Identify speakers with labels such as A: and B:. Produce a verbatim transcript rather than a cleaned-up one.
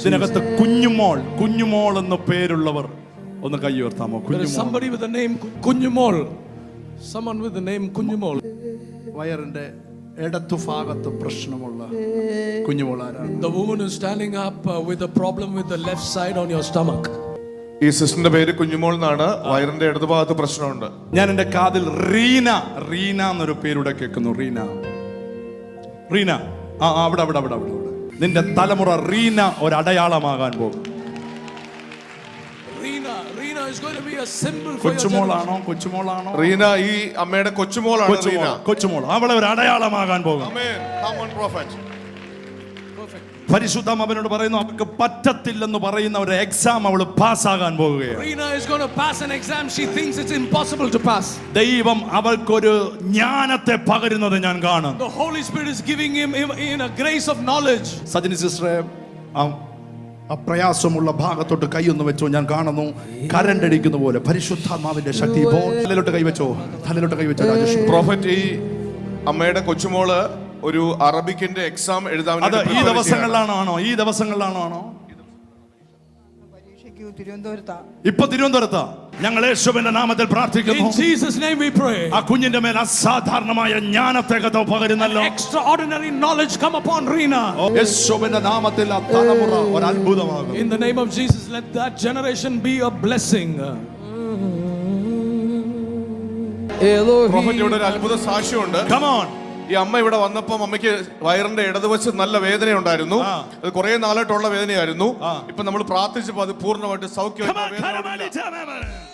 A: ഇതിനകത്ത് കുഞ്ഞുമോൾ കുഞ്ഞുമോൾ എന്ന പേരുള്ളവർ ഒന്ന് കൈ ഉയർത്താമോ?
B: There is somebody with the name Kunjumol. Someone with the name Kunjumol.
A: വയറിന്റെ ഇടത്തു ഭാഗത്ത് പ്രശ്നമുള്ള കുഞ്ഞുമോൾ ആരാണ്?
B: The woman who is standing up uh, with a problem with the left side on your stomach.
C: ഈ സിസ്റ്ററിന്റെ പേര് കുഞ്ഞുമോൾ എന്നാണ്. വയറിന്റെ ഇടതുഭാഗത്ത് പ്രശ്നമുണ്ട്.
A: ഞാൻ എന്റെ കാതിൽ റീന റീന എന്നൊരു പേരുടെ കേൾക്കുന്നു. റീന റീന ആ അവിടെ അവിടെ അവിടെ അവിടെ നിന്റെ തലമുറ റീന ഒരു അടയാളമാകാൻ പോകും.
B: Reena, Reena is going to be a symbol for your
A: കൊച്ചുമോളാണോ കൊച്ചുമോളാണോ
C: Reena ഈ അമ്മയുടെ കൊച്ചുമോളാണ്. റീന
A: കൊച്ചുമോൾ അവളെ ഒരു അടയാളമാകാൻ പോകും.
C: ആമേൻ. Come on prophet.
A: പരിശുദ്ധം അവനോട് പറയുന്നു അവൾക്ക് പറ്റത്തില്ലെന്ന് പറയുന്ന ഒരു എക്സാം അവൾ പാസ്സാകാൻ പോവുകയാണ്.
B: Reena is going to pass an exam she thinks it's impossible to pass.
A: ദൈവം അവൾക്കൊരു ജ്ഞാനത്തെ പകരുന്നത് ഞാൻ കാണും.
B: The Holy Spirit is giving him in a grace of knowledge.
A: Sajini സിസ്റ്ററെ ആ പ്രയാസമുള്ള ഭാഗത്തോട്ട് കൈയൊന്ന് വെച്ചോ. ഞാൻ കാണുന്നു കരണ്ട് അടിക്കുന്ന പോലെ പരിശുദ്ധാത്മാവിന്റെ ശക്തി. തലയിലോട്ട് കൈവച്ചോ, തലയിലോട്ട് കൈവച്ചോ. രാജേഷ്
C: പ്രോഫറ്റ്, ഈ അമ്മയുടെ കൊച്ചുമോള് ഒരു അറബിക്കിന്റെ എക്സാം എഴുതാൻ
A: അത് ഈ ദിവസങ്ങളിലാണോ ഈ ദിവസങ്ങളിലാണോ ഇപ്പൊ തിരുവനന്തപുരത്താ? ഞങ്ങൾ യേശുവിന്റെ നാമത്തിൽ പ്രാർത്ഥിക്കുന്നു.
B: In Jesus name we pray.
A: ആ കുഞ്ഞിന്റെ മേൽ അസാധാരണമായ ജ്ഞാനത്തെ പകരുന്നല്ലോ.
B: Extraordinary knowledge come upon Reena.
A: യേശുവിന്റെ നാമത്തിൽ ആ തലമുറ ഒരു അത്ഭുതമാകും.
B: In the name of Jesus, let that generation be a blessing.
C: Prophet, ഇവിടെ ഒരു അത്ഭുത സാക്ഷ്യമുണ്ട്.
A: Come on.
C: ഈ അമ്മ ഇവിടെ വന്നപ്പോൾ അമ്മയ്ക്ക് വയറിന്റെ ഇടതുവശത്ത് നല്ല വേദന ഉണ്ടായിരുന്നു. അത് കുറെ നാളായിട്ടുള്ള വേദനയായിരുന്നു. ഇപ്പൊ നമ്മൾ പ്രാർത്ഥിച്ചപ്പോൾ അത് പൂർണ്ണമായിട്ട് സൗഖ്യം.